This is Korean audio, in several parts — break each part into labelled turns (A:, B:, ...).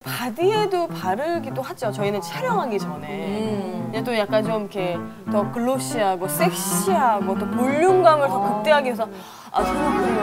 A: 바디에도 바르기도 하죠. 저희는 촬영하기 전에. 근데 또 약간 좀 이렇게 더 글로시하고 섹시하고 또 볼륨감을 더 극대화하기 위해서 토너크림을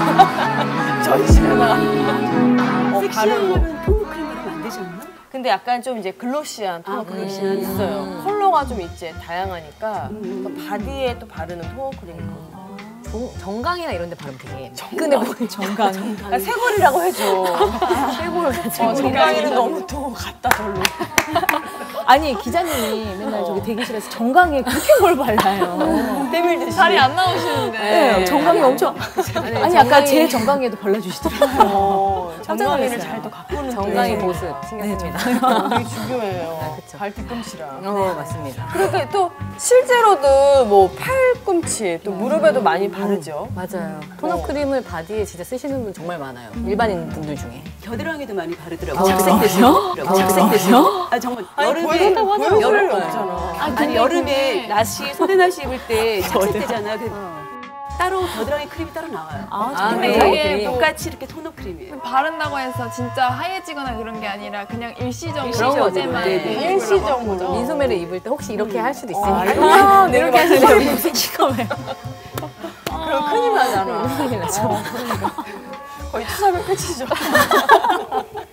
A: 전신에다가
B: 섹시하려면 토너크림 바르면 안 되지 않나?
A: 근데 약간 좀 이제 글로시한 토너크림이 있어요. 컬러가 좀 이제 다양하니까 또 바디에 또 바르는 토너크림이 있거든요.
C: 정강이나 이런 데 바르면 되게 근데 뭐 정강.
A: 쇄골이라고 해줘.
C: 쇄골.
A: 정강이는 너무 또 같다 별로.
C: 아니 기자님이 맨날 저기 대기실에서 정강이에 그렇게 뭘 발라요.
A: 때밀듯이.
D: 살이 안 나오시는데.
C: 네, 정강이 엄청. 아니 아까 제 정강이에도 발라주시더라고요.
A: 정강이를 잘 또 가꾸는
C: 정강이 모습 신경 씁니다.
A: 되게 중요해요.
C: 그쵸.
A: 발 뒤꿈치랑.
C: 맞습니다.
A: 그렇게 또 실제로도 뭐 팔꿈치 또 무릎에도 많이 바르죠.
C: 맞아요. 토너 크림을 바디에 진짜 쓰시는 분 정말 많아요. 일반인 분들 중에.
B: 겨드랑이도 많이 바르더라고요. 착색되시고. 착색되시고. 아 정말 여름에
A: 여름에 없잖아.
B: 아니 여름에 나시 소대나시 입을 때 착색되잖아. 따로 겨드랑이 크림이 따로 나와요.
D: 근데
B: 근데
D: 이게
B: 똑같이 이렇게 토너 크림이에요.
D: 바른다고 해서 진짜 하얘지거나 그런 게 아니라 그냥 일시적으로
C: 그런 거죠.
D: 어제만
B: 네네.
A: 일시적으로.
C: 민소매를 입을 때 혹시 이렇게 할 수도 있으니까.
A: 이렇게 하시는데
C: 시커매요.
A: 그럼 큰일 나잖아.
C: 큰일 나죠.
A: 거의 투사면 끝이죠.